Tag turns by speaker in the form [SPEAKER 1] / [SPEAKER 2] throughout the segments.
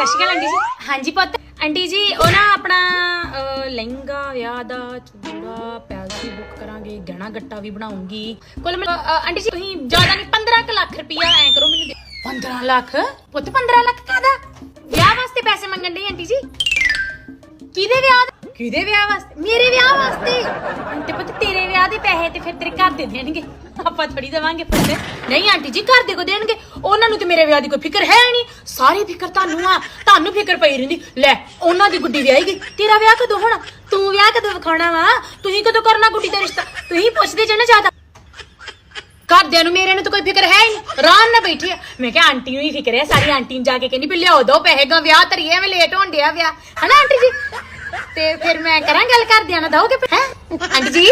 [SPEAKER 1] ਸਤਿ ਸ਼੍ਰੀ ਅਕਾਲ ਆਂਟੀ ਜੀ। ਹਾਂਜੀ ਪੁੱਤ ਆਂਟੀ ਜੀ ਉਹ ਨਾ ਆਪਣਾ ਲਹਿੰਗਾ ਵਿਆਹ ਦਾ ਚੂੜਾ ਪੈਲਸੀ ਬੁੱਕ ਕਰਾਂਗੇ, ਗਹਿਣਾ ਗੱਟਾ ਵੀ ਬਣਾਉਂਗੀ। ਕੁੱਲ ਆਂਟੀ ਜੀ ਤੁਸੀਂ ਜ਼ਿਆਦਾ ਨਹੀਂ 15 ਲੱਖ ਰੁਪਇਆ ਐ ਕਰੋ ਮੈਨੂੰ ਦੇ। 15 ਲੱਖ ਪੁੱਤ? 15 ਲੱਖ ਕਾਹਦਾ? ਵਿਆਹ ਵਾਸਤੇ ਪੈਸੇ ਮੰਗਣ ਡਈ ਆਂਟੀ ਜੀ। ਕਿਹਦੇ ਵਿਆਹ? ਕਿਹਦੇ ਵਿਆਹ ਵਾਸਤੇ? ਮੇਰੇ ਵਿਆਹ ਵਾਸਤੇ। ਤੇ ਪੁੱਤ ਤੇਰੇ ਵਿਆਹ ਦੇ ਪੈਸੇ ਤੇ ਫਿਰ ਤੇਰੇ ਘਰ ਦੇ ਦੇਣਗੇ, ਆਪਾਂ ਥੋੜੀ ਦੇਵਾਂਗੇ ਪੁੱਤ। ਨਹੀਂ ਆਂਟੀ ਜੀ ਘਰ ਦੇ ਕੋ ਦੇਣਗੇ, ਉਹਨਾਂ ਨੂੰ ਤੇ ਮੇਰੇ ਵਿਆਹ ਦੀ ਕੋਈ ਫਿਕਰ ਹੈ ਨਹੀਂ। ਸਾਰੀ ਫਿਕਰ ਤੁਹਾਨੂੰ ਆ, ਤੁਹਾਨੂੰ ਫਿਕਰ ਪਈ ਰਹਿੰਦੀ। ਲੈ ਉਹਨਾਂ ਦੀ ਗੁੱਡੀ ਵਿਆਹੀ ਗਈ, ਤੇਰਾ ਵਿਆਹ ਕਦੋਂ ਹੋਣਾ? ਤੂੰ ਵਿਆਹ ਕਦੋਂ ਵਿਖਾਉਣਾ ਵਾ? ਤੁਸੀਂ ਕਦੋਂ ਕਰਨਾ ਗੁੱਡੀ ਦਾ ਰਿਸ਼ਤਾ? ਤੁਸੀਂ ਪੁੱਛਦੇ ਜੇ ਨਾ ਜ਼ਿਆਦਾ। ਘਰਦਿਆਂ ਨੂੰ ਮੇਰੇ ਨੂੰ ਤਾਂ ਕੋਈ ਫਿਕਰ ਹੈ ਹੀ ਨਹੀਂ, ਆਰਾਮ ਨਾਲ ਬੈਠੀ ਆ। ਮੈਂ ਕਿਹਾ ਆਂਟੀ ਨੂੰ ਹੀ ਫਿਕਰ ਹੈ, ਸਾਰੀ ਆਂਟੀ ਨੂੰ ਜਾ ਕੇ ਕਹਿੰਦੀ ਵੀ ਲਿਆਓ ਦੋ ਪੈਸੇ ਗਾ ਵਿਆਹ ਧਰੀਏ, ਐਵੇਂ ਲੇਟ ਹੋਣ ਡਿਆ ਵਿਆਹ, ਹਨਾ ਆਂਟੀ ਜੀ? ਤੇ ਫਿਰ ਮੈਂ ਕਰਾਂ ਗੱਲ ਘਰਦਿਆਂ ਨਾਲ, ਦਓਗੇ ਹੈ ਆਂਟੀ ਜੀ?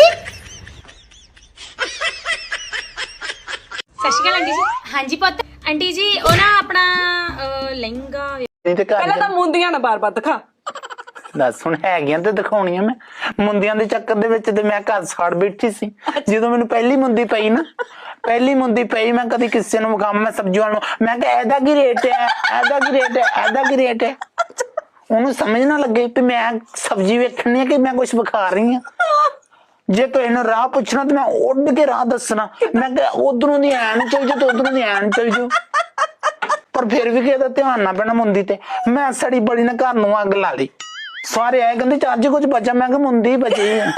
[SPEAKER 1] ਸਤਿ ਸ਼੍ਰੀ ਅਕਾਲ ਆਂਟੀ ਜੀ। ਹਾਂਜੀ ਪੁੱਤ ਆਂਟੀ ਜੀ ਉਹ ਨਾ ਆਪਣਾ ਲਹਿੰਗਾ
[SPEAKER 2] ਪਹਿਲਾਂ ਤਾਂ ਮੁੰਦੀਆਂ ਨਾ ਬਾਰ-ਬਾਰ ਦਿਖਾ।
[SPEAKER 3] ਦੱਸ ਹੁਣ ਹੈਗੀਆਂ ਤੇ ਦਿਖਾਉਣੀਆਂ। ਮੈਂ ਮੁੰਦਿਆਂ ਦੇ ਚੱਕਰ ਦੇ ਵਿੱਚ ਤੇ ਮੈਂ ਘਰ ਸਾੜ ਬੈਠੀ ਸੀ। ਜਦੋਂ ਮੈਨੂੰ ਪਹਿਲੀ ਮੁੰਦੀ ਪਈ ਨਾ, ਮੈਂ ਕਦੀ ਕਿਸੇ ਨੂੰ ਵਿਖਾਵਾਂ, ਮੈਂ ਸਬਜ਼ੀ ਵਾਲ ਨੂੰ ਮੈਂ ਕਿਹਾ ਇਹਦਾ ਕੀ ਰੇਟ ਹੈ, ਇਹਦਾ ਕੀ ਰੇਟ ਹੈ, ਇਹਦਾ ਕੀ ਰੇਟ ਹੈ। ਉਹਨੂੰ ਸਮਝ ਨਾ ਲੱਗੇ ਕਿ ਮੈਂ ਸਬਜ਼ੀ ਵੇਖਣੀ ਹੈ ਕਿ ਮੈਂ ਕੁਛ ਵਿਖਾ ਰਹੀ ਹਾਂ। ਜੇ ਕੋਈ ਇਹਨੂੰ ਰਾਹ ਪੁੱਛਣਾ ਤੇ ਮੈਂ ਉੱਡ ਕੇ ਰਾਹ ਦੱਸਣਾ। ਮੈਂ ਕਿਹਾ ਉਧਰੋਂ ਦੀ ਐਨ ਚੱਲ ਜਾਓ ਤੇ ਉਧਰੋਂ ਦੀ ਐਨ ਚੱਲ ਜਾਓ, ਪਰ ਫਿਰ ਵੀ ਕਿਸੇ ਦਾ ਧਿਆਨ ਨਾ ਪੈਣਾ ਮੁੰਦੀ ਤੇ। ਮੈਂ ਸੜੀ ਬੜੀ ਨੇ ਘਰ ਨੂੰ ਅੱਗ ਲਾ ਲਈ। ਸਾਰੇ ਆਏ ਕਹਿੰਦੇ ਚੱਜ ਕੁਝ ਬਚਾ, ਮੈਂ ਕਿਹਾ ਮੁੰਦੀ ਬਚੀ ਹੈ।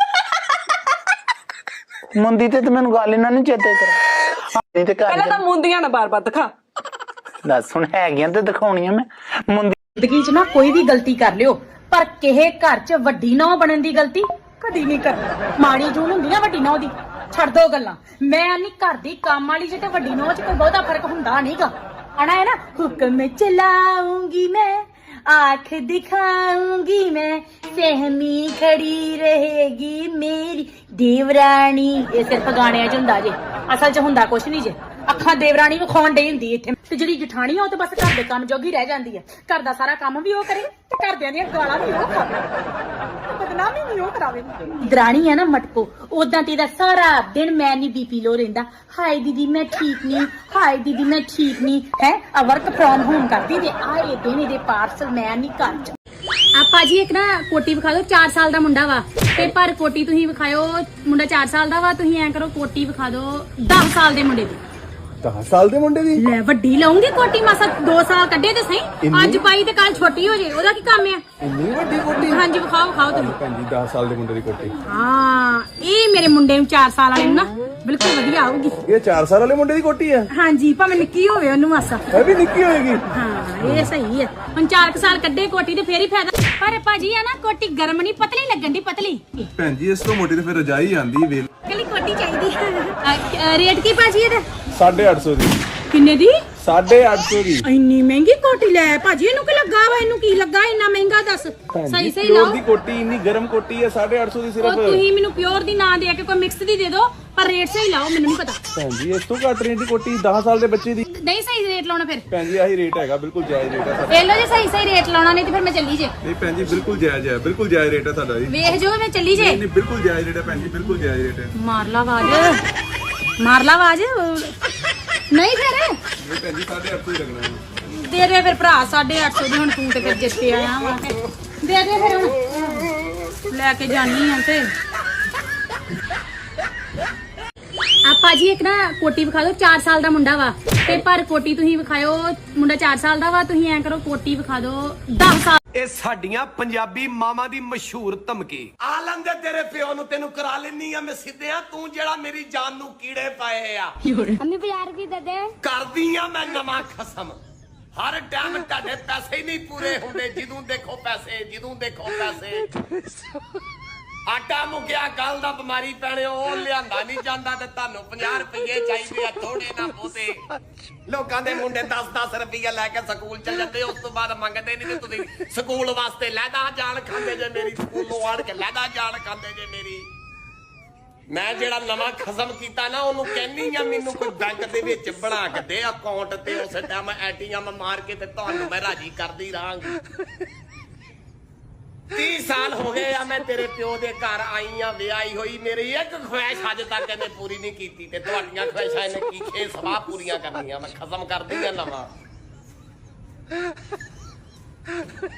[SPEAKER 3] ਮੁੰਦੀ ਤੇ ਮੈਨੂੰ ਗੱਲ ਇਹਨਾਂ ਨੇ ਚੇਤੇ ਕਰਾ।
[SPEAKER 2] ਪਹਿਲਾਂ ਤਾਂ ਮੁੰਦੀਆਂ ਨਾ ਬਾਰ-ਬਾਰ ਦਿਖਾ।
[SPEAKER 3] ਦੱਸ ਹੁਣ ਹੈਗੀਆਂ ਤੇ ਦਿਖਾਉਣੀਆਂ। ਮੈਂ ਮੁੰਦੀ
[SPEAKER 1] ਜ਼ਿੰਦਗੀ 'ਚ ਨਾ ਕੋਈ ਵੀ ਗਲਤੀ ਕਰ ਲਿਓ, ਪਰ ਕਿਸੇ ਘਰ 'ਚ ਵੱਡੀ ਨੌ ਬਣਨ ਦੀ ਗਲਤੀ ਕਦੀ ਨਹੀਂ ਕਰਨੀ। ਮਾੜੀ ਜੂਨ ਹੁੰਦੀ ਨਾ ਵੱਡੀ ਨੌ ਦੀ, ਛੱਡ ਦੋ ਗੱਲਾਂ। ਮੈਂ ਨਹੀਂ ਘਰ ਦੀ ਕੰਮ ਵਾਲੀ 'ਚ ਤੇ ਵੱਡੀ ਨੌ 'ਚ ਕੋਈ ਬਹੁਤਾ ਫਰਕ ਹੁੰਦਾ ਨਹੀਂਗਾ। ਆਣਾ ਹੈ ਨਾ, ਹੁਕਮ ਚਲਾਉਂਗੀ ਮੈਂ, आँख दिखाऊंगी मैं, सहमी खड़ी रहेगी मेरी देवरानी। ये सिर्फ गाने च हुंदा जे, असल च हुंदा कुछ नहीं जे। ਅੱਖਾਂ ਦੇਵਰਾਣੀ ਨੂੰ ਖਾਣ ਡਈ ਹੁੰਦੀ ਇੱਥੇ ਤੇ ਜਿਹੜੀ ਜਠਾਣੀ ਆ ਉਹ ਤੇ ਬਸ ਘਰ ਦੇ ਕੰਮ ਜੋਗੀ ਰਹਿ ਜਾਂਦੀ ਆ। ਘਰ ਦਾ ਸਾਰਾ ਕੰਮ ਵੀ ਉਹ ਕਰੇ ਤੇ ਘਰਦਿਆਂ ਦੀਆਂ ਗਾਲਾਂ ਵੀ ਉਹ ਖਾਵੇ, ਬਦਨਾਮੀ ਵੀ ਉਹ ਕਰਾਵੇ। ਦਰਾਣੀ ਆ ਨਾ ਮਟਕੋ, ਉਦਾਂ ਤੇ ਦਾ ਸਾਰਾ ਦਿਨ ਮੈਂ ਨਹੀਂ ਬੀਪੀ ਲੋ ਰਹਿੰਦਾ। ਹਾਏ ਦੀਦੀ ਮੈਂ ਠੀਕ ਨਹੀਂ, ਹਾਏ ਦੀਦੀ ਮੈਂ ਠੀਕ ਨਹੀਂ ਹੈ। ਆ ਵਰਕ ਫਰੋਮ ਹੋਮ ਕਰਦੀ ਤੇ ਆਏ ਦਿਨ ਇਹਦੇ ਪਾਰਸਲ ਮੈਂ ਨਹੀਂ ਘਰ ਚ। ਆਪਾਂ ਜੀ ਇੱਕ ਨਾ ਕੋਟੀ ਵਿਖਾ ਦਿਓ, 4 ਸਾਲ ਦਾ ਮੁੰਡਾ ਵਾ ਤੇ ਪਰ ਕੋਟੀ ਤੁਸੀਂ ਵਿਖਾਇਓ, ਮੁੰਡਾ 4 ਸਾਲ ਦਾ ਵਾ। ਤੁਸੀਂ ਐਂ ਕਰੋ ਕੋਟੀ ਵਿਖਾ ਦਿਓ 10 ਸਾਲ ਦੇ ਮੁੰਡੇ ਦੀ।
[SPEAKER 4] 10 ਸਾਲ ਦੇ ਮੁੰਡੇ ਦੀ
[SPEAKER 1] ਲੈ ਵੱਡੀ ਲਾਉਂਗੀ ਕੋਟੀ, ਮਾਸਾ 2 ਸਾਲ ਕੱਢੇ ਤੇ ਸਹੀ, ਅੱਜ ਪਾਈ ਤੇ ਕੱਲ ਛੋਟੀ ਹੋ ਜੇ, ਉਹਦਾ ਕੀ ਕੰਮ ਆ?
[SPEAKER 4] ਇੰਨੀ ਵੱਡੀ ਕੋਟੀ?
[SPEAKER 1] ਹਾਂਜੀ ਵਿਖਾਓ ਤੁਸੀਂ।
[SPEAKER 4] ਭੈਣ ਜੀ 10 ਸਾਲ ਦੇ ਮੁੰਡੇ ਦੀ ਕੋਟੀ।
[SPEAKER 1] ਹਾਂ ਇਹ ਮੇਰੇ ਮੁੰਡੇ ਨੂੰ 4 ਸਾਲ ਵਾਲੇ ਨੂੰ ਨਾ ਬਿਲਕੁਲ ਵਧੀਆ ਆਊਗੀ।
[SPEAKER 4] ਇਹ 4 ਸਾਲ ਵਾਲੇ ਮੁੰਡੇ ਦੀ ਕੋਟੀ ਆ?
[SPEAKER 1] ਹਾਂਜੀ ਭਾਵੇਂ ਨਿੱਕੀ ਹੋਵੇ ਉਹਨੂੰ ਮਾਸਾ।
[SPEAKER 4] ਇਹ ਵੀ ਨਿੱਕੀ ਹੋਏਗੀ?
[SPEAKER 1] ਹਾਂ ਇਹ ਸਹੀ ਹੈ। ਹੁਣ 4 ਸਾਲ ਕੱਢੇ ਕੋਟੀ ਤੇ ਫੇਰ ਹੀ ਫਾਇਦਾ। ਪਰ ਭਾਜੀ ਆ ਨਾ ਕੋਟੀ ਗਰਮ ਨਹੀਂ, ਪਤਲੀ ਲੱਗਣ ਦੀ, ਪਤਲੀ।
[SPEAKER 4] ਭੈਣ ਜੀ ਇਸ ਤੋਂ ਮੋਟੀ ਤੇ ਫਿਰ ਰਜਾਈ ਆਂਦੀ ਵੇਲ।
[SPEAKER 1] ਕੱਲੀ ਕੋਟੀ ਚਾਹੀਦੀ। ਰੇਟ ਕੀ ਭਾਜੀ ਇਹਦਾ?
[SPEAKER 4] 850 ਦੀ।
[SPEAKER 1] ਕਿੰਨੇ ਦੀ?
[SPEAKER 4] 850 ਦੀ।
[SPEAKER 1] ਇੰਨੀ ਮਹਿੰਗੀ ਕੋਟੀ ਲੈ ਭਾਜੀ, ਇਹਨੂੰ ਕੀ ਲੱਗਾ ਵਾ? ਇਹਨੂੰ ਕੀ ਲੱਗਾ ਇੰਨਾ ਮਹਿੰਗਾ? ਦੱਸ ਸਹੀ ਸਹੀ
[SPEAKER 4] ਪਿਓਰ
[SPEAKER 1] ਲਾਓ।
[SPEAKER 4] ਦੀ ਕੋਟੀ ਇੰਨੀ ਗਰਮ ਕੋਟੀ ਹੈ 850 ਦੀ ਸਿਰਫ।
[SPEAKER 1] ਤੁਸੀਂ ਮੈਨੂੰ ਪਿਓਰ ਦੀ ਨਾ ਦੇ ਕੇ ਕੋਈ ਮਿਕਸ ਦੀ ਦੇ ਦਿਓ, ਪਰ ਰੇਟ ਸਹੀ ਲਾਓ, ਮੈਨੂੰ ਨਹੀਂ ਪਤਾ।
[SPEAKER 4] ਭੈਣ ਜੀ ਇਸ ਤੋਂ ਘੱਟ ਰੇਟ ਦੀ ਕੋਟੀ 10 ਸਾਲ ਦੇ ਬੱਚੇ ਦੀ
[SPEAKER 1] ਨਹੀਂ ਸਹੀ ਰੇਟ ਲਾਉਣਾ ਫਿਰ।
[SPEAKER 4] ਭੈਣ ਜੀ ਆਹੀ ਰੇਟ ਹੈਗਾ, ਬਿਲਕੁਲ ਜਾਇਜ਼ ਰੇਟ ਹੈ ਸਾਡਾ।
[SPEAKER 1] ਵੇਖ ਲਓ ਜੇ ਸਹੀ ਰੇਟ ਲਾਉਣਾ, ਨਹੀਂ ਤੇ ਫਿਰ ਮੈਂ ਚੱਲੀ ਜੇ।
[SPEAKER 4] ਨਹੀਂ ਭੈਣ ਜੀ ਬਿਲਕੁਲ ਜਾਇਜ਼ ਹੈ, ਬਿਲਕੁਲ ਜਾਇਜ਼ ਰੇਟ ਹੈ ਸਾਡਾ ਜੀ।
[SPEAKER 1] ਵੇਖ ਜੋ ਮੈਂ ਚੱਲੀ ਜੇ।
[SPEAKER 4] ਨਹੀਂ ਬਿਲਕੁਲ ਜਾਇਜ਼ ਰੇਟ ਹੈ ਭੈਣ ਜੀ, ਬਿਲਕੁਲ ਜਾਇਜ਼ ਰੇਟ ਹੈ।
[SPEAKER 1] ਮਾਰ ਲਾ ਆਵਾਜ਼, ਮਾਰ ਲਾ ਆਵਾਜ਼। ਨਹੀਂ ਫਿਰ
[SPEAKER 4] ਨਹੀਂ ਭੈਣ ਜੀ 850 ਹੀ ਲੱਗਣਾ ਹੈ।
[SPEAKER 1] ਦੇ ਦੇ ਫਿਰ ਭਰਾ 850 ਦੀ। ਹੁਣ ਤੂੰ ਤੇ ਫਿਰ ਜਿੱਤੇ ਆਇਆ ਵਾ, ਦੇ ਦੇ ਫਿਰ ਹੁਣ ਲੈ ਕੇ ਜਾਨੀ ਆ ਤੇ। ਆਪਾਂ ਜੀ ਇੱਕ ਨਾ ਕੋਟੀ ਵਿਖਾ ਦਿਓ, 4 ਸਾਲ ਦਾ ਮੁੰਡਾ ਵਾ ਤੇ ਪਰ ਕੋਟੀ ਤੁਸੀਂ ਵਿਖਾਇਓ, ਮੁੰਡਾ 4 ਸਾਲ ਦਾ ਵਾ। ਤੁਸੀਂ ਐਂ ਕਰੋ ਕੋਟੀ ਵਿਖਾ ਦਿਓ 10 ਸਾਲ।
[SPEAKER 5] ਇਹ ਸਾਡੀਆਂ ਪੰਜਾਬੀ ਮਾਵਾਂ ਦੀ ਮਸ਼ਹੂਰ ਧਮਕੀ। ਆਲਮ ਦੇ ਤੇਰੇ ਪਿਓ ਨੂੰ ਤੈਨੂੰ ਕਰਾ ਲੈਣੀ ਆ ਮੈਂ ਸਿੱਧਿਆਂ, ਤੂੰ ਜਿਹੜਾ ਮੇਰੀ ਜਾਨ ਨੂੰ ਕੀੜੇ ਪਾਏ ਆ।
[SPEAKER 6] ਅੰਮੀ 50 ਰੁਪਏ ਦੇ ਦੇ।
[SPEAKER 5] ਕਰਦੀ ਆ ਮੈਂ ਨਵਾਂ ਖਸਮ। ਹਰ ਟਾਈਮ ਤੁਹਾਡੇ ਪੈਸੇ ਹੀ ਨਹੀਂ ਪੂਰੇ ਹੁੰਦੇ, ਜਦੋਂ ਦੇਖੋ ਪੈਸੇ, ਜਦੋਂ ਦੇਖੋ ਪੈਸੇ। ਆਟਾ ਮੁੱਕਿਆ ਗੱਲ ਦਾ ਬਿਮਾਰੀ ਪੈਣੇ, ਉਹ ਲਿਆਂਦਾ ਨਹੀਂ ਜਾਂਦਾ ਤੇ ਤੁਹਾਨੂੰ 50 ਰੁਪਏ ਚਾਹੀਦੇ ਆ, ਥੋੜੇ ਨਾ ਬਹੁਤੇ। ਲੋਕਾਂ ਦੇ ਮੁੰਡੇ 10-10 ਰੁਪਏ ਲੈ ਕੇ ਸਕੂਲ ਚੱਲ ਜਾਂਦੇ, ਉਸ ਤੋਂ ਬਾਅਦ ਮੰਗਦੇ ਨਹੀਂ ਤੇ ਤੁਸੀਂ ਸਕੂਲ ਵਾਸਤੇ ਲਹਿਦਾ ਜਾਣ ਖਾਂਦੇ ਜੇ ਮੇਰੀ, ਸਕੂਲੋਂ ਆੜ ਕੇ ਲਹਿਦਾ ਜਾਣ ਖਾਂਦੇ ਜੇ ਮੇਰੀ। ਮੈਂ ਜਿਹੜਾ ਨਵਾਂ ਖਸਮ ਕੀਤਾ ਨਾ ਉਹਨੂੰ ਕਹਿੰਨੀ ਆ ਮੈਨੂੰ ਕੋਈ ਬੈਂਕ ਦੇ ਵਿੱਚ ਬਣਾ ਕੇ ਦੇ ਅਕਾਊਂਟ ਤੇ, ਉਸ ਟਾਈਮ ATM ਮਾਰ ਕੇ ਤੇ ਤੁਹਾਨੂੰ ਮੈਂ ਰਾਜੀ ਕਰਦੀ ਰਹਾਂਗੀ। 30 ਸਾਲ ਹੋ ਗਏ ਆ ਮੈਂ ਤੇਰੇ ਪਿਓ ਦੇ ਘਰ ਆਈ ਆ, ਵਿਆਹੀ ਹੋਈ। ਮੇਰੀ ਇੱਕ ਖੁਆਇਸ਼ ਅੱਜ ਤੱਕ ਇਹਨੇ ਪੂਰੀ ਨਹੀਂ ਕੀਤੀ ਤੇ ਤੁਹਾਡੀਆਂ ਖੁਆਇਸ਼ਾਂ ਇਹਨੇ ਕੀ ਖੇ ਸਵਾਹ ਪੂਰੀਆਂ ਕਰਨੀਆਂ। ਮੈਂ ਖਸਮ ਕਰਦੀ ਆ ਨਵਾਂ।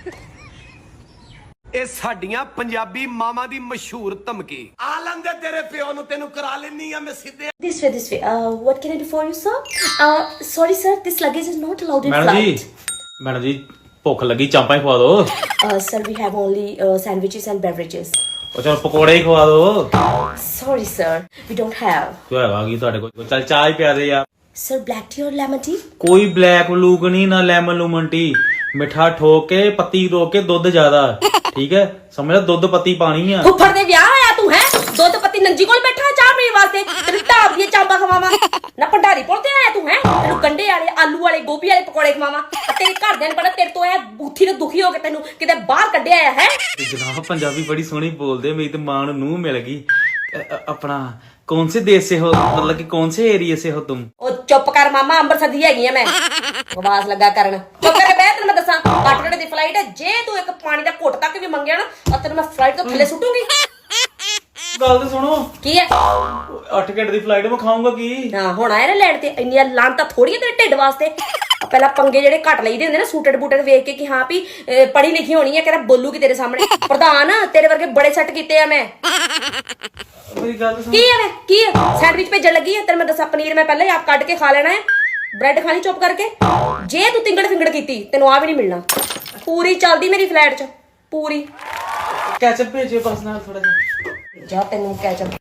[SPEAKER 5] ਇਹ ਸਾਡੀਆਂ ਪੰਜਾਬੀ ਮਾਵਾਂ ਦੀ ਮਸ਼ਹੂਰ ਧਮਕੀ ਆ ਲੰਦੇ ਤੇਰੇ ਪਿਓ ਨੂੰ ਤੈਨੂੰ ਕਰਾ ਲੈਣੀ ਆ ਮੈਂ ਸਿੱਧੇ
[SPEAKER 7] This way, this way. What can I do for you, sir? Sorry, sir. This luggage is not allowed in flight.
[SPEAKER 8] Madam ji ਭੁੱਖ ਲੱਗੀ ਚਾਂਪਾਂ ਹੀ ਖਵਾ ਦਿਓ
[SPEAKER 7] Sir, we have only sandwiches and beverages.
[SPEAKER 8] ਉਹ ਚਲ ਪਕੌੜੇ ਹੀ ਖਵਾ ਦਿਓ
[SPEAKER 7] Sorry, sir. We don't have.
[SPEAKER 8] ਕਿਉਂ ਹੈਗਾ ਕੀ ਤੁਹਾਡੇ ਕੋਲ ਚੱਲ ਚਾਹ ਹੀ ਪਿਆ ਦੇ ਯਾਰ
[SPEAKER 7] Sir, black tea or lemon tea?
[SPEAKER 8] ਕੋਈ ਬਲੈਕ ਲੂਕ ਨਹੀਂ ਨਾ ਲੈਮਨ ਲੂਮਨ ਟੀ ਮਿੱਠਾ ਠੋਕ ਕੇ ਪੱਤੀ ਰੋਕ ਕੇ ਦੁੱਧ ਜ਼ਿਆਦਾ ਠੀਕ ਹੈ ਸਮਝ ਲੈ ਦੁੱਧ ਪੱਤੀ ਪਾਣੀ ਆ
[SPEAKER 7] ਫੁੱਫੜ ਦੇ ਵਿਆਹ ਆਇਆ ਤੂੰ ਹੈ ਦੁੱਧ ਪੱਤੀ ਨੰਜੀ ਕੋਲ ਬੈਠਾ ਚਾਹ ਪੀਣ ਵਾਸਤੇ ਤੈਨੂੰ ਢਾਬ ਦੀਆਂ ਚਾਂਬਾ ਖਵਾਵਾਂ ਨਾ ਭੰਡਾਰੀ ਪੁੱਲ ਤੇ ਆਇਆ ਤੂੰ ਹੈ ਤੈਨੂੰ ਗੰਡੇ ਵਾਲੇ ਆਲੂ ਵਾਲੇ ਗੋਭੀ ਵਾਲੇ ਪਕੌੜੇ ਖਵਾਵਾਂ ਤੇਰੇ ਘਰਦਿਆਂ ਨੇ ਪਤਾ ਤੇਰੇ ਤੋਂ ਇਹ ਬੂਥੀ ਨੂੰ ਦੁਖੀ ਹੋ ਕੇ ਤੈਨੂੰ ਕਿਤੇ ਬਾਹਰ ਕੱਢਿਆ ਆਇਆ ਹੈ
[SPEAKER 8] ਜਨਾਬ ਪੰਜਾਬੀ ਬੜੀ ਸੋਹਣੀ ਬੋਲਦੇ ਮੇਰੀ ਤੇ ਮਾਂ ਨੂੰ ਮਿਲ ਗਈ अपना कौन से देश से हो मतलब कि कौन से एरिया से हो तुम
[SPEAKER 7] ਉਹ ਚੁੱਪ ਕਰ ਮਾਮਾ ਅੰਮ੍ਰਿਤਸਰ ਦੀ ਹੈਗੀ ਆ ਮੈਂ ਆਵਾਜ਼ ਲੱਗਾ ਕਰਨ ਚੁੱਪ ਕਰ ਬਹਿ ਤੈਨੂੰ ਮੈਂ ਦੱਸਾਂ 8 ਘੰਟੇ ਦੀ ਫਲਾਈਟ ਹੈ ਜੇ ਤੂੰ ਇੱਕ ਪਾਣੀ ਦਾ ਘੁੱਟ ਤੱਕ ਵੀ ਮੰਗਿਆ ਨਾ ਤਾਂ ਤੈਨੂੰ ਮੈਂ ਫਲਾਈਟ ਤੋਂ ਥੱਲੇ ਸੁੱਟੂਗੀ
[SPEAKER 8] ਗੱਲ ਤੇ ਸੁਣੋ
[SPEAKER 7] ਕੀ ਹੈ
[SPEAKER 8] 8 ਘੰਟੇ ਦੀ ਫਲਾਈਟ ਮੈਂ ਖਾਊਂਗਾ ਕੀ
[SPEAKER 7] ਹਾਂ ਹੁਣ ਆਇਆ ਨਾ ਲੈਣ ਤੇ ਇੰਨੀਆਂ ਲਾਂਤਾਂ ਥੋੜੀਆਂ ਤੇਰੇ ਢਿੱਡ ਵਾਸਤੇ ਪਹਿਲਾਂ ਪੰਗੇ ਜਿਹੜੇ ਘੱਟ ਲਈਦੇ ਹੁੰਦੇ ਨਾ ਸੂਟਡ ਬੂਟਡ ਵੇਖ ਕੇ ਕਿ ਹਾਂ ਵੀ ਪੜ੍ਹੀ ਲਿਖੀ ਹੋਣੀ ਹੈ ਕਿਹੜਾ ਬੋਲੂਗੀ ਤੇਰੇ ਸਾਹਮਣੇ ਪ੍ਰਧਾਨ ਤੇਰੇ ਵਰਗੇ ਬੜੇ ਸੈੱਟ ਕੀਤੇ ਆ ਮੈਂ
[SPEAKER 8] ਮੇਰੀ ਗੱਲ ਸੁਣ
[SPEAKER 7] ਕੀ ਹੈ ਵੇ ਕੀ ਹੈ ਸੈਂਡਵਿਚ ਭੇਜਣ ਲੱਗੀ ਹੈ ਤੈਨੂੰ ਮੈਂ ਦੱਸਾਂ ਪਨੀਰ ਮੈਂ ਪਹਿਲਾਂ ਹੀ ਆਪ ਕੱਢ ਕੇ ਖਾ ਲੈਣਾ ਹੈ ਬ੍ਰੈਡ ਖਾਣੀ ਚੁੱਪ ਕਰਕੇ ਜੇ ਤੂੰ ਤਿੰਗੜ ਫਿੰਗੜ ਕੀਤੀ ਤੈਨੂੰ ਆ ਵੀ ਨਹੀਂ ਮਿਲਣਾ ਪੂਰੀ ਚੱਲਦੀ ਮੇਰੀ ਫਲੈਟ 'ਚ ਪੂਰੀ
[SPEAKER 8] ਕੈਚਅਪ ਭੇਜਿਓ ਬਸ ਨਾਲ ਥੋੜਾ ਜਿਹਾ
[SPEAKER 7] ਜਾ ਤੈਨੂੰ ਕੈਚਅਪ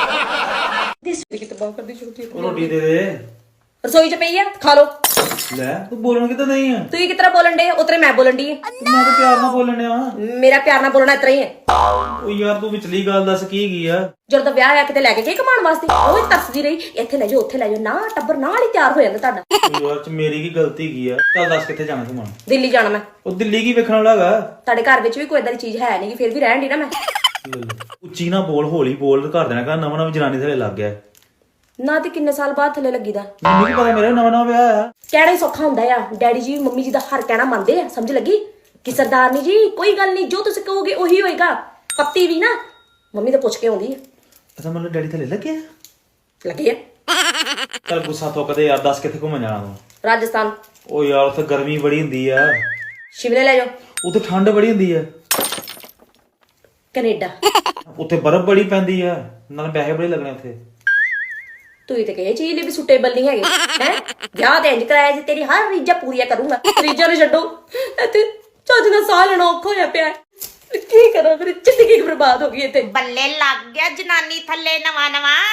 [SPEAKER 8] ਰੋਟੀ ਦੇ ਦੇ
[SPEAKER 7] ਰਸੋਈ 'ਚ ਪਈ ਆ ਖਾ ਲੋ
[SPEAKER 8] ਲੈ ਤੂੰ ਬੋਲਣ ਕਿਤੇ ਨਹੀਂ ਆ
[SPEAKER 7] ਤੂੰ ਕਿਸ ਤਰ੍ਹਾਂ ਬੋਲਣ ਡੇ ਉਤਰੇ ਮੈਂ ਬੋਲਣ ਦੀ
[SPEAKER 8] ਮੈਂ ਤਾਂ ਪਿਆਰ ਨਾਲ ਬੋਲਣ ਡਿਆ
[SPEAKER 7] ਮੇਰਾ ਪਿਆਰ ਨਾਲ ਬੋਲਣਾ ਇਤਰਾ ਹੀ ਹੈ
[SPEAKER 8] ਉਹ ਯਾਰ ਤੂੰ ਵਿਚਲੀ ਗੱਲ ਦੱਸ ਕੀ ਗਈ ਆ
[SPEAKER 7] ਜਦੋਂ ਦਾ ਵਿਆਹ ਆ ਕਿਤੇ ਲੈ ਕੇ ਗਏ ਕਮਾਉਣ ਵਾਸਤੇ ਉਹ ਵੀ ਤਰਸਦੀ ਰਹੀ ਇੱਥੇ ਲੈ ਜਾਓ ਉੱਥੇ ਲੈ ਜਾਓ ਨਾ ਟੱਬਰ ਨਾਲ ਹੀ ਤਿਆਰ ਹੋ ਜਾਂਦਾ ਤੁਹਾਡਾ
[SPEAKER 8] ਉਹ ਯਾਰ ਚ ਮੇਰੀ ਕੀ ਗਲਤੀ ਕੀ ਆ ਚੱਲ ਦੱਸ ਕਿੱਥੇ ਜਾਣਾ ਤੂੰ ਮਨ
[SPEAKER 7] ਦਿੱਲੀ ਜਾਣਾ ਮੈਂ
[SPEAKER 8] ਉਹ ਦਿੱਲੀ ਕੀ ਵੇਖਣ ਵਾਲਾ ਹੈਗਾ
[SPEAKER 7] ਤੁਹਾਡੇ ਘਰ ਵਿੱਚ ਵੀ ਕੋਈ ਏਦਾਂ ਦੀ ਚੀਜ਼ ਹੈ ਨਹੀਂ ਫਿਰ ਵੀ ਰਹਿਣ ਦੀ ਨਾ ਮੈਂ
[SPEAKER 8] ਉੱਚੀ ਨਾ ਬੋਲ ਹੌਲੀ ਬੋਲ ਘਰ ਦੇਣਾ ਕਾ ਨਵਾਂ ਨਵਾਂ ਜਨਾਨੀ ਥਲੇ ਲੱਗ ਗਿਆ
[SPEAKER 7] ਨਾ ਤੇ ਕਿੰਨੇ ਸਾਲ ਬਾਅਦ ਥੱਲੇ ਲੱਗੀਦਾ
[SPEAKER 8] ਮੈਨੂੰ ਕੀ ਪਤਾ ਮੇਰਾ ਨਵਾਂ ਨਵਾਂ ਵਿਆਹ ਆ
[SPEAKER 7] ਕਹਿਣਾ ਹੀ ਸੌਖਾ ਹੁੰਦਾ ਆ ਡੈਡੀ ਜੀ ਮੰਮੀ ਜੀ ਦਾ ਹਰ ਕਹਿਣਾ ਮੰਨਦੇ ਆ ਸਮਝ ਲੱਗੀ ਕਿ ਸਰਦਾਰਨੀ ਜੀ ਕੋਈ ਗੱਲ ਨਹੀਂ ਜੋ ਤੁਸੀਂ ਕਹੋਗੇ ਉਹੀ ਹੋਏਗਾ ਪੱਤੀ ਵੀ ਨਾ ਮੰਮੀ ਤਾਂ ਪੁੱਛ ਕੇ ਆਉਂਦੀ ਆ
[SPEAKER 8] ਅੱਛਾ ਮਤਲਬ ਡੈਡੀ ਥਲੇ ਲੱਗਿਆ
[SPEAKER 7] ਲੱਗੀ ਆ
[SPEAKER 8] ਚੱਲ ਗੁੱਸਾ ਥੁੱਕਦੇ ਯਾਰ ਦੱਸ ਕਿੱਥੇ ਘੁੰਮਣ ਜਾਣਾ ਤੂੰ
[SPEAKER 7] ਰਾਜਸਥਾਨ
[SPEAKER 8] ਉਹ ਯਾਰ ਉੱਥੇ ਗਰਮੀ ਬੜੀ ਹੁੰਦੀ ਆ
[SPEAKER 7] ਸ਼ਿਮਲੇ ਲੈ ਜਾਓ
[SPEAKER 8] ਉੱਥੇ ਠੰਡ ਬੜੀ ਹੁੰਦੀ ਆ
[SPEAKER 7] ਕੈਨੇਡਾ
[SPEAKER 8] ਉੱਥੇ ਬਰਫ਼ ਬੜੀ ਪੈਂਦੀ ਆ ਨਾਲ ਪੈਸੇ ਬੜੇ ਲੱਗਣੇ ਉੱਥੇ
[SPEAKER 7] ਤੂੰ ਤੇ ਕਹੇ ਚੀਜ਼ ਲਈ ਵੀ ਸੁਟੇਬਲ ਨਹੀਂ ਹੈਗੇ ਹੈ ਵਿਆਹ ਤੇ ਇੰਜ ਕਰਾਇਆ ਜੀ ਤੇਰੀ ਹਰ ਰੀਝਾਂ ਪੂਰੀਆਂ ਕਰੂੰਗਾ ਰੀਝਾਂ ਨੂੰ ਛੱਡੋ ਇੱਥੇ ਚੱਜ ਨਾਲ ਸਾਹ ਲੈਣਾ ਔਖਾ ਹੋਇਆ ਪਿਆ ਕੀ ਕਰਾਂ ਮੇਰੀ ਜ਼ਿੰਦਗੀ ਬਰਬਾਦ ਹੋ ਗਈ ਇੱਥੇ
[SPEAKER 9] ਬੱਲੇ ਲੱਗ ਗਿਆ ਜਨਾਨੀ ਥੱਲੇ ਨਵਾਂ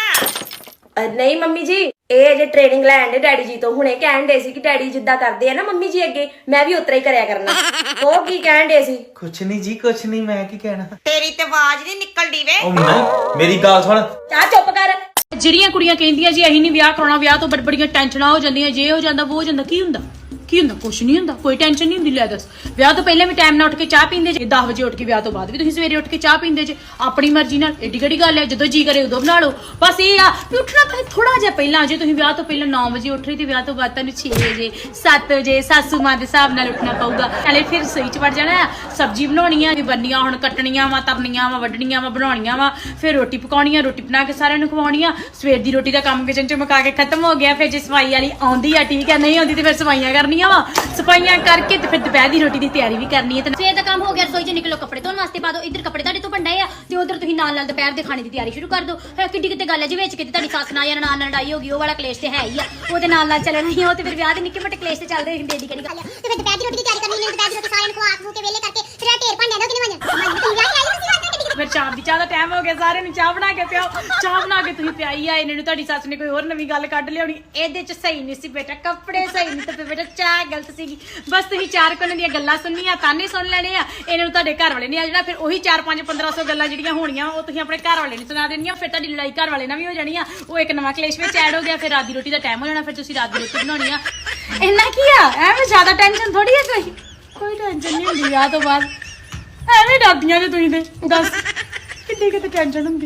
[SPEAKER 7] ਨਹੀਂ ਮੰਮੀ ਜੀ ਇਹ ਜੇ ਟ੍ਰੇਨਿੰਗ ਲੈਣ ਦੇ ਡੈਡੀ ਜੀ ਤੋਂ ਹੁਣੇ ਕਹਿਣ ਦੇ ਸੀ ਕਿ ਡੈਡੀ ਜਿੱਦਾਂ ਕਰਦੇ ਆ ਨਾ ਮੰਮੀ ਜੀ ਅੱਗੇ ਮੈਂ ਵੀ ਉਤਰਾ ਹੀ ਕਰਿਆ ਕਰਨਾ ਉਹ ਕੀ ਕਹਿਣ ਦੇ ਸੀ
[SPEAKER 8] ਕੁਛ ਨਹੀਂ ਜੀ ਕੁਛ ਨਹੀਂ ਮੈਂ ਕੀ ਕਹਿਣਾ
[SPEAKER 9] ਤੇਰੀ ਤੇ ਆਵਾਜ਼ ਨਹੀਂ ਨਿਕਲਦੀ ਵੇ
[SPEAKER 8] ਉਹ ਨਹੀਂ ਮੇਰੀ ਗੱਲ ਸੁਣ
[SPEAKER 7] ਚਾਹ ਚੁੱਪ ਕਰ
[SPEAKER 1] ਜਿਹੜੀਆਂ ਕੁੜੀਆਂ ਕਹਿੰਦੀਆਂ ਜੀ ਅਸੀਂ ਨਹੀਂ ਵਿਆਹ ਕਰਾਉਣਾ ਵਿਆਹ ਤੋਂ ਬੜੀਆਂ ਟੈਨਸ਼ਨਾਂ ਹੋ ਜਾਂਦੀਆਂ ਜੇ ਹੋ ਜਾਂਦਾ ਉਹ ਹੋ ਜਾਂਦਾ ਕੀ ਹੁੰਦਾ ਕੁਛ ਨਹੀਂ ਹੁੰਦਾ ਕੋਈ ਟੈਨਸ਼ਨ ਨਹੀਂ ਹੁੰਦੀ ਲੈ ਦੱਸ ਵਿਆਹ ਤੋਂ ਪਹਿਲਾਂ ਵੀ ਟਾਈਮ ਨਾਲ ਉੱਠ ਕੇ ਚਾਹ ਪੀਂਦੇ ਜੇ 10 ਵਜੇ ਉੱਠ ਕੇ ਵਿਆਹ ਤੋਂ ਬਾਅਦ ਵੀ ਤੁਸੀਂ ਸਵੇਰੇ ਉੱਠ ਕੇ ਚਾਹ ਪੀਂਦੇ ਜੇ ਆਪਣੀ ਮਰਜ਼ੀ ਨਾਲ ਏਡੀ ਕਿਹੜੀ ਗੱਲ ਹੈ ਜਦੋਂ ਜੀ ਕਰੇ ਉਦੋਂ ਬਣਾ ਲਓ ਬਸ ਇਹ ਆ ਵੀ ਉੱਠਣਾ ਤਾਂ ਥੋੜਾ ਜਿਹਾ ਪਹਿਲਾਂ ਜੇ ਤੁਸੀਂ ਵਿਆਹ ਤੋਂ ਪਹਿਲਾਂ 9 ਵਜੇ ਉੱਠ ਰਹੇ ਤੇ ਵਿਆਹ ਤੋਂ ਬਾਅਦ ਤੁਹਾਨੂੰ 6 ਵਜੇ 7 ਵਜੇ ਸਾਸੂ ਮਾਂ ਦੇ ਹਿਸਾਬ ਨਾਲ ਉੱਠਣਾ ਪਊਗਾ ਨਾਲੇ ਫਿਰ ਰਸੋਈ 'ਚ ਵੜ ਜਾਣਾ ਸਬਜ਼ੀ ਬਣਾਉਣੀ ਆ ਬੰਨੀਆਂ ਹੁਣ ਕੱਟਣੀਆਂ ਵਾ ਤਰਨੀਆਂ ਵਾ ਵੱਢਣੀਆਂ ਵਾ ਬਣਾਉਣੀਆਂ ਵਾ ਫਿਰ ਰੋਟੀ ਪਕਾਉਣੀ ਆ ਰੋਟੀ ਬਣਾ ਕੇ ਸਾਰਿਆਂ ਨੂੰ ਖਵਾਉਣੀ ਆ ਸਵੇਰ ਦੀ ਰੋਟੀ ਦਾ ਕੰਮ ਕਿਚਨ 'ਚ ਮੁਕਾ ਕੇ ਖਤਮ ਹੋ ਗਿਆ ਫਿਰ ਜੇ ਸਫਾਈ ਵਾਲੀ ਆਉਂਦੀ ਆ ਠੀਕ ਆ ਨਹੀਂ ਆਉਂਦੀ ਤੇ ਫਿਰ ਸਫਾਈਆਂ ਕਰਨੀਆਂ ਵਾ ਸਫਾਈਆਂ ਕਰਕੇ ਤੇ ਫਿਰ ਦੁਪਹਿਰ ਦੀ ਰੋਟੀ ਦੀ ਤਿਆਰੀ ਵੀ ਕਰਨੀ ਹੈ ਤੇ
[SPEAKER 6] ਸਵੇਰ ਦਾ ਕੰਮ ਹੋ ਗਿਆ ਰਸੋਈ 'ਚ ਨਿਕਲੋ ਕੱਪੜੇ ਧੋਣ ਵਾਸਤੇ ਪਾ ਦਿਓ ਇੱਧਰ ਕੱਪੜੇ ਤੁਹਾਡੇ ਤੋਂ ਬੰਡੇ ਆ ਤੇ ਉਧਰ ਤੁਸੀਂ ਨਾਲ ਦੁਪਹਿਰ ਦੇ ਖਾਣੇ ਦੀ ਤਿਆਰੀ ਸ਼ੁਰੂ ਕਰ ਦਿਓ ਕਿੱਡੀ ਕਿਤੇ ਗੱਲ ਹੈ ਜੀ ਵਿੱਚ ਕਿਤੇ ਤੁਹਾਡੀ ਸੱਸ ਨਾਲ ਜਾਂ ਨਨਾਣ ਨਾਲ ਲੜਾਈ ਹੋ ਗਈ ਉਹ ਵਾਲਾ ਕਲੇਸ਼ ਤੇ ਹੈ ਹੀ ਆ ਉਹਦੇ ਨਾਲ ਚੱਲਣਾ ਹੀ ਉਹ ਤੇ ਫਿਰ ਵਿਆਹ ਦੇ ਨਿੱਕੇ ਮੋਟੇ ਕਲੇਸ਼ ਤੇ ਚੱਲਦੇ ਹੁੰਦੇ ਏਡੀ ਕਿਹੜੀ ਗੱਲ ਆ
[SPEAKER 9] ਤੇ ਫਿਰ ਦੁਪਹਿਰ ਦੀ ਰੋਟੀ ਦੀ ਤਿਆਰੀ ਕਰਨੀ ਹੈ ਦੁਪਹਿਰ ਦੀ ਰੋਟੀ ਸਾਰਿਆਂ ਨੂੰ ਖਵਾ ਖੂ ਕੇ ਵੇਲੇ ਕਰਕੇ ਫਿਰ ਢੇਰ ਭਾਂਡਿਆਂ ਦਾ ਕਿਨੇ ਮੰਨ ਤੂੰ ਵਿਆਹ ਆਈ ਤੁਸੀਂ
[SPEAKER 1] ਫਿਰ ਸ਼ਾਮ ਦੀ ਚਾਹ ਦਾ ਟਾਈਮ ਹੋ ਗਿਆ ਸਾਰਿਆਂ ਨੂੰ ਚਾਹ ਬਣਾ ਕੇ ਪਿਆਓ ਚਾਹ ਬਣਾ ਕੇ ਤੁਸੀਂ ਪਿਆਈ ਆ ਇਹਨਾਂ ਨੂੰ ਤੁਹਾਡੀ ਸੱਸ ਨੇ ਕੋਈ ਹੋਰ ਨਵੀਂ ਗੱਲ ਕੱਢ ਲਿਆਉਣੀ ਇਹਦੇ 'ਚ ਸਹੀ ਨਹੀਂ ਸੀ ਬੇਟਾ ਕੱਪੜੇ ਸਹੀ ਨਹੀਂ ਤੇ ਬੇਟਾ ਚਾਹ ਗਲਤ ਸੀਗੀ ਬਸ ਤੁਸੀਂ 4 ਕੋਨੇ ਦੀਆਂ ਗੱਲਾਂ ਸੁਣਨੀਆਂ ਤਾਨੇ ਸੁਣ ਲੈਣੇ ਆ ਇਹਨਾਂ ਨੂੰ ਤੁਹਾਡੇ ਘਰ ਵਾਲੇ ਨੇ ਆ ਜਿਹੜਾ ਫਿਰ ਉਹੀ 4-5-1500 ਗੱਲਾਂ ਜਿਹੜੀਆਂ ਹੋਣੀਆਂ ਉਹ ਤੁਸੀਂ ਆਪਣੇ ਘਰ ਵਾਲੇ ਨੂੰ ਸੁਣਾ ਦੇਣੀਆਂ ਫਿਰ ਤੁਹਾਡੀ ਲੜਾਈ ਘਰ ਵਾਲੇ ਨਾਲ ਵੀ ਹੋ ਜਾਣੀ ਆ ਉਹ ਇੱਕ ਨਵਾਂ ਕਲੇਸ਼ ਵਿੱਚ ਐਡ ਹੋ ਗਿਆ ਫਿਰ ਰਾਤ ਦੀ ਰੋਟੀ ਦਾ ਟਾਈਮ ਹੋ ਜਾਣਾ ਫਿਰ ਤੁਸੀਂ ਰਾਤ ਦੀ ਰੋਟੀ ਬਣਾਉਣੀ ਆ ਇੰਨਾ ਕੀ ਆ ਐਵੇਂ ਜ਼ਿਆਦਾ ਟੈਨਸ਼ਨ ਥੋੜੀ ਆ ਕੋਈ ਟੈਨਸ਼ਨ ਨਹੀਂ ਹੁੰਦੀ ਵਿਆਹ ਤੋਂ ਬਾਅਦ ਐਵੇਂ ਡਰਦੀਆਂ ਜੇ ਤੁਸੀਂ ਤੇ ਦੱਸ ਕਿੱਡੀ ਕਿਤੇ ਟੈਨਸ਼ਨ ਹੁੰਦੀ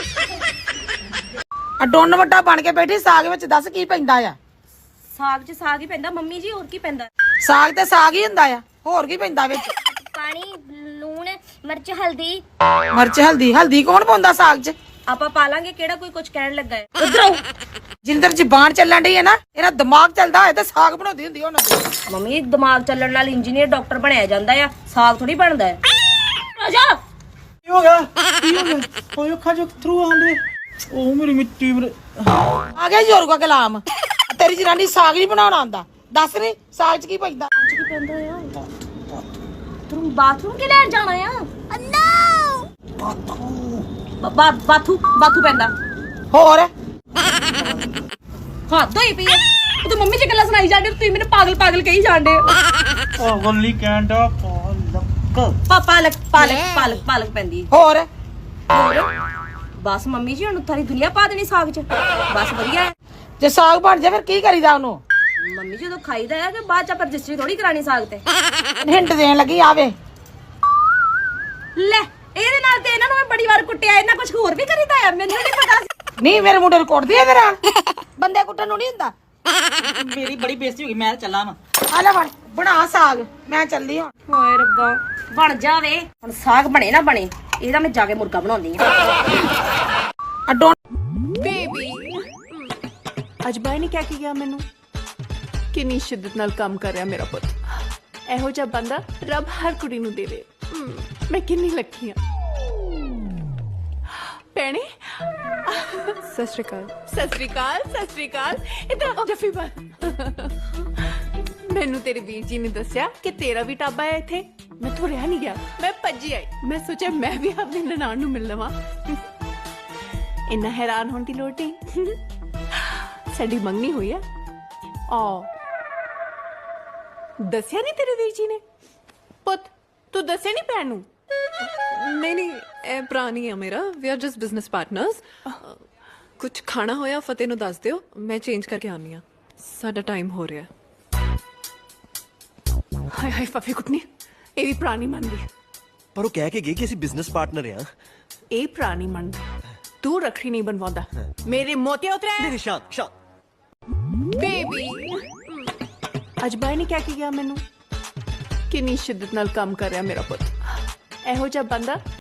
[SPEAKER 10] ਆ ਡੋਨ ਵੱਡਾ ਬਣ ਕੇ ਬੈਠੀ ਸਾਗ ਵਿੱਚ ਦੱਸ ਕੀ ਪੈਂਦਾ ਆ
[SPEAKER 7] ਸਾਗ 'ਚ ਸਾਗ ਹੀ ਪੈਂਦਾ ਮੰਮੀ ਜੀ ਹੋਰ ਕੀ ਪੈਂਦਾ
[SPEAKER 10] ਸਾਗ ਤੇ ਸਾਗ ਹੀ ਹੁੰਦਾ ਆ ਹੋਰ ਕੀ ਪੈਂਦਾ ਵਿੱਚ
[SPEAKER 6] ਪਾਣੀ ਲੂਣ ਮਿਰਚ ਹਲਦੀ
[SPEAKER 10] ਮਿਰਚ ਹਲਦੀ ਕੌਣ ਪਾਉਂਦਾ ਸਾਗ 'ਚ
[SPEAKER 7] ਆਪਾਂ ਪਾ ਲਾਂਗੇ ਕਿਹੜਾ ਕੋਈ ਕੁਝ ਕਹਿਣ ਲੱਗਾ ਹੈ ਉਧਰ
[SPEAKER 10] ਜਿੰਦਰ ਜ਼ਬਾਨ ਚੱਲਣ ਡਈ ਹੈ ਨਾ, ਇਹਦਾ ਦਿਮਾਗ ਚੱਲਦਾ ਹੋਏ ਤੇ ਸਾਗ ਬਣਾਉਂਦੀ ਹੁੰਦੀ ਉਹਨਾਂ ਦੀ।
[SPEAKER 7] ਮੰਮੀ ਦਿਮਾਗ ਚੱਲਣ ਨਾਲ ਇੰਜੀਨੀਅਰ ਡਾਕਟਰ ਬਣਿਆ ਜਾਂਦਾ ਆ, ਸਾਗ ਥੋੜੀ ਬਣਦਾ ਹੈ। ਰਾਜਾ
[SPEAKER 8] ਕੀ ਹੋ ਗਿਆ ਓਏ ਅੱਖਾਂ ਚੋਂ ਥਰੂ ਆਉਂਦੇ ਉਹ ਮੇਰੀ ਮਿੱਟੀ ਮੇਰੇ
[SPEAKER 10] ਆ ਗਿਆ ਜ਼ੋਰ ਕਾ ਕਲਾਮ। ਤੇਰੀ ਜਨਾਨੀ ਸਾਗ ਨਹੀਂ ਬਣਾਉਣਾ ਆਉਂਦਾ। ਦੱਸ ਨੀ ਸਾਗ 'ਚ ਕੀ ਪੈਂਦਾ?
[SPEAKER 7] ਕੀ ਪੈਂਦਾ ਆ? ਤੂੰ ਬਾਥਰੂਮ ਕਿ ਲੈਣ ਜਾਣਾ ਆ? ਬਾਥੂ ਪੈਂਦਾ।
[SPEAKER 10] ਹੋਰ
[SPEAKER 7] ਹੱਦ ਹੋਈ ਪਈ ਆ। ਤੂੰ ਮੰਮੀ ਜੀ ਗੱਲਾਂ ਸੁਣਾਈ ਜਾਂਦੇ, ਤੁਸੀਂ ਮੈਨੂੰ ਪਾਗਲ ਕਹੀ ਜਾਂਦੇ।
[SPEAKER 8] ਪਾਗਲ ਨਹੀਂ ਕਹਿੰਦਾ
[SPEAKER 7] ਪਾਲਕ ਪੈਂਦੀ।
[SPEAKER 10] ਹੋਰ
[SPEAKER 7] ਬਸ ਮੰਮੀ ਜੀ ਹੁਣ ਸਾਰੀ ਦੁਨੀਆ ਪਾ ਦੇਣੀ ਸਾਗ 'ਚ। ਬਸ ਵਧੀਆ ਹੈ।
[SPEAKER 10] ਜੇ ਸਾਗ ਬਣ ਜਾ ਫਿਰ ਕੀ ਕਰੀਦਾ ਉਹਨੂੰ?
[SPEAKER 7] ਮੰਮੀ ਜਦੋਂ ਖਾਈਦਾ ਹੈ ਤੇ ਬਾਅਦ 'ਚ ਆਪਾਂ ਰਜਿਸਟਰੀ ਥੋੜੀ ਕਰਾਣੀ ਸਾਗ ਤੇ।
[SPEAKER 10] ਹਿੰਟ ਦੇਣ ਲੱਗੀ ਆਵੇ।
[SPEAKER 7] ਲੈ ਇਹਦੇ ਨਾਲ ਤੇ ਇਹਨਾਂ ਨੂੰ ਮੈਂ ਬੜੀ ਵਾਰ ਕੁੱਟਿਆ, ਇਹਨਾਂ ਕੁਝ ਹੋਰ ਵੀ ਕਰੀਦਾ ਆ, ਮੈਨੂੰ ਨਹੀਂ ਪਤਾ ਸੀ।
[SPEAKER 10] ਨਹੀਂ ਮੇਰੇ ਮੁੰਡੇ ਨੂੰ ਕੁੱਟਦੀ ਐ ਤੇਰਾ। ਬੰਦੇ ਕੁੱਟਣ ਨੂੰ ਨਹੀਂ ਹੁੰਦਾ।
[SPEAKER 2] ਮੇਰੀ ਬੜੀ ਬੇਇੱਜ਼ਤੀ ਹੋ ਗਈ, ਮੈਂ ਚੱਲਾਂ ਵਾ।
[SPEAKER 10] ਆ ਲੈ ਬਣਾ ਸਾਗ, ਮੈਂ ਚੱਲਦੀ ਹਾਂ।
[SPEAKER 7] ਹਾਏ ਰੱਬਾ ਬਣ ਜਾਵੇ ਹੁਣ। ਸਾਗ ਬਣੇ ਨਾ ਬਣੇ, ਇਹਦਾ ਮੈਂ ਜਾ ਕੇ ਮੁਰਗਾ ਬਣਾਉਂਦੀ ਆ।
[SPEAKER 2] ਅੱਜ ਬਾਈ ਨੇ ਕਿਹਾ ਗਿਆ ਮੈਨੂੰ, ਕਿੰਨੀ ਸ਼ਿੱਦਤ ਨਾਲ ਕੰਮ ਕਰ ਰਿਹਾ ਮੇਰਾ ਪੁੱਤ। ਇਹੋ ਜਿਹਾ ਬੰਦਾ ਰੱਬ ਹਰ ਕੁੜੀ ਨੂੰ ਦੇਵੇ। ਮੈਂ ਕਿੰਨੀ ਲੱਕੀ ਆ। ਭੈਣੇ ਸਤਿ ਸ਼੍ਰੀ ਅਕਾਲ ਇਧਰ ਜੱਫੀ ਪਾ। ਮੈਨੂੰ ਤੇਰੇ ਵੀਰ ਜੀ ਨੇ ਦੱਸਿਆ ਕਿ ਤੇਰਾ ਵੀ ਟਾਬਾ ਹੈ ਇੱਥੇ। ਮੈਂ ਤੋਂ ਰਿਹਾ ਨਹੀਂ ਗਿਆ, ਮੈਂ ਭੱਜੀ ਆਈ। ਮੈਂ ਸੋਚਿਆ ਮੈਂ ਵੀ ਆਪਣੀ ਨਨਾਣ ਨੂੰ ਮਿਲ ਲਵਾਂ। ਇੰਨਾ ਹੈਰਾਨ ਹੋਣ ਦੀ ਲੋੜ ਨਹੀਂ। ਸਾਡੀ ਮੰਗਣੀ ਹੋਈ ਆ। ਦੱਸਿਆ ਨਹੀਂ ਤੇਰੇ ਵੀਰ ਜੀ ਨੇ? ਪੁੱਤ ਤੂੰ ਦੱਸਿਆ ਨਹੀਂ ਭੈਣ ਨੂੰ?
[SPEAKER 11] ਨਹੀਂ ਇਹ ਭਰਾ ਨਹੀਂ ਆ ਮੇਰਾ। We are just business partners. ਕੁਝ ਖਾਣਾ ਹੋਇਆ ਫਤਿਹ ਨੂੰ ਦੱਸ ਦਿਓ, ਮੈਂ ਚੇਂਜ ਕਰਕੇ ਆਉਂਦੀ ਆ। ਸਾਡਾ ਟਾਈਮ ਹੋ ਰਿਹਾ।
[SPEAKER 2] ਹਾਏ ਫਫੀ ਕੁੱਟਨੀ, ਇਹ ਵੀ ਪੁਰਾਣੀ ਮੰਨਦੀ।
[SPEAKER 12] ਪਰ ਉਹ ਕਹਿ ਕੇ ਗਈ ਕਿ ਅਸੀਂ ਬਿਜ਼ਨਸ ਪਾਰਟਨਰ ਆ।
[SPEAKER 2] ਇਹ ਪੁਰਾਣੀ ਮੰਨਦੀ। ਤੂੰ ਰੱਖੜੀ ਨਹੀਂ ਬਣਵਾਉਂਦਾ, ਮੇਰੇ ਮੋਤੀਆ ਉਤਰਿਆ।
[SPEAKER 12] ਨਹੀਂ ਸ਼ਾਂਤ
[SPEAKER 2] ਬੇਬੀ ਅੱਜ ਬਾਈ ਨੇ ਕਿਹਾ ਗਿਆ ਮੈਨੂੰ, ਕਿੰਨੀ ਸ਼ਿੱਦਤ ਨਾਲ ਕੰਮ ਕਰ ਰਿਹਾ ਮੇਰਾ ਪੁੱਤ। ਇਹੋ ਜਿਹਾ ਬੰਦਾ